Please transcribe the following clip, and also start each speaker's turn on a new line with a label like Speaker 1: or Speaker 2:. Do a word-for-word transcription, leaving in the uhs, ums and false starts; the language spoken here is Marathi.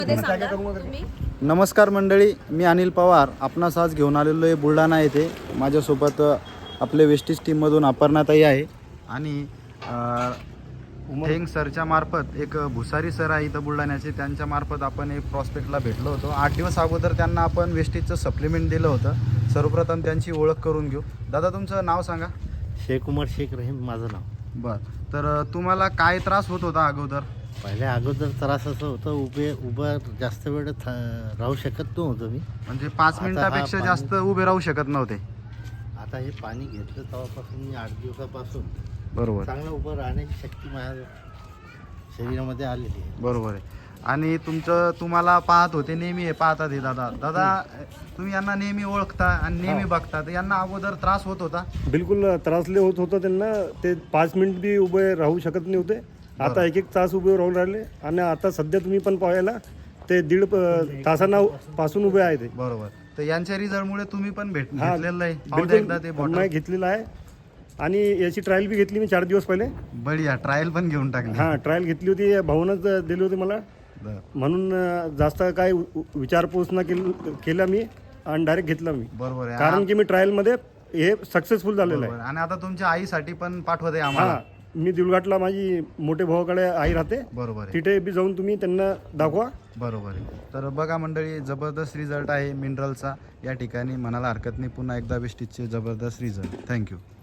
Speaker 1: नमस्कार मंडळी, मी अनिल पवार. आपणास आज घेऊन आलेलो आहे बुलढाणा येथे. माझ्यासोबत आपले वेस्टीज टीममधून अपर्णाताई आहे आणि थेंग सरच्या मार्फत एक भुसारी सर आहे इथं बुलढाण्याचे. त्यांच्या मार्फत आपण एक प्रॉस्पेक्टला भेटलो होतो. आठ दिवस अगोदर त्यांना आपण वेस्टीजचं सप्लिमेंट दिलं होतं. सर्वप्रथम त्यांची ओळख करून घेऊ. दादा, तुमचं नाव सांगा.
Speaker 2: शेख उमर शेख रहीम माझं नाव.
Speaker 1: बरं, तर तुम्हाला काय त्रास होत होता अगोदर?
Speaker 2: पहिले अगोदर त्रास असं होतं, उभे उभं जास्त वेळ थ- राहू शकत नव्हतो मी.
Speaker 1: म्हणजे पाच
Speaker 2: आता
Speaker 1: मिनिटापेक्षा
Speaker 2: हा
Speaker 1: जास्त उभे राहू शकत नव्हते.
Speaker 2: आता हे पाणी घेतलं तेव्हापासून मी आठ दिवसापासून
Speaker 1: बरोबर
Speaker 2: चांगलं उभं राहण्याची शक्ती माझ्या शरीरामध्ये आलेली आहे.
Speaker 1: बरोबर आहे. आणि तुमचं तुम्हाला पाहत होते, नेहमी हे पाहतात हे दादा. दादा, तुम्ही यांना नेहमी ओळखता आणि नेहमी बघता, तर यांना अगोदर त्रास होत होता?
Speaker 3: बिलकुल त्रासले होत होतं त्यांना. ते पाच मिनिट बी उभे राहू शकत नव्हते. आता एक एक तास उभे राहून राहिले आणि आता सध्या तुम्ही पण पाहायला ते दीड प- तासांना पासून उभे आहे ते.
Speaker 1: बरोबर. तर यांच्या रिझल्टमुळे तुम्ही पण भेट
Speaker 3: हा,
Speaker 1: घेतलेलं आहे. पाहू द्या एकदा ते
Speaker 3: बिलकुल
Speaker 1: बॉटल.
Speaker 3: मी घेतलेला आहे आणि याची ट्रायल बी घेतली मी चार दिवस पहिले.
Speaker 1: बढिया, ट्रायल पण घेऊन टाकली.
Speaker 3: हां, ट्रायल घेतली होती. भाऊनच दिली होती मला,
Speaker 1: बरं.
Speaker 3: म्हणून अं, जास्त काय उ- विचारपूस न केल केला मी आणि डायरेक्ट घेतला मी.
Speaker 1: बरोबर आहे.
Speaker 3: कारण की मी ट्रायलमध्ये हे सक्सेसफुल झालेलं आहे.
Speaker 1: बरोबर. आणि आता तुमच्या आईसाठी पण पाठवत आहे आम्हाला.
Speaker 3: हां, मी दिलघाटला माझी मोठे भावाकडे आई राहते.
Speaker 1: बरोबर आहे.
Speaker 3: तिथे बी जाऊन तुम्ही त्यांना दाखवा.
Speaker 1: बरोबर आहे. तर बघा मंडळी, जबरदस्त रिझल्ट आहे मिनरलचा या ठिकाणी. म्हणायला हरकत नाही. पुन्हा एकदा वेस्टीजचे जबरदस्त रिझल्ट. थँक्यू.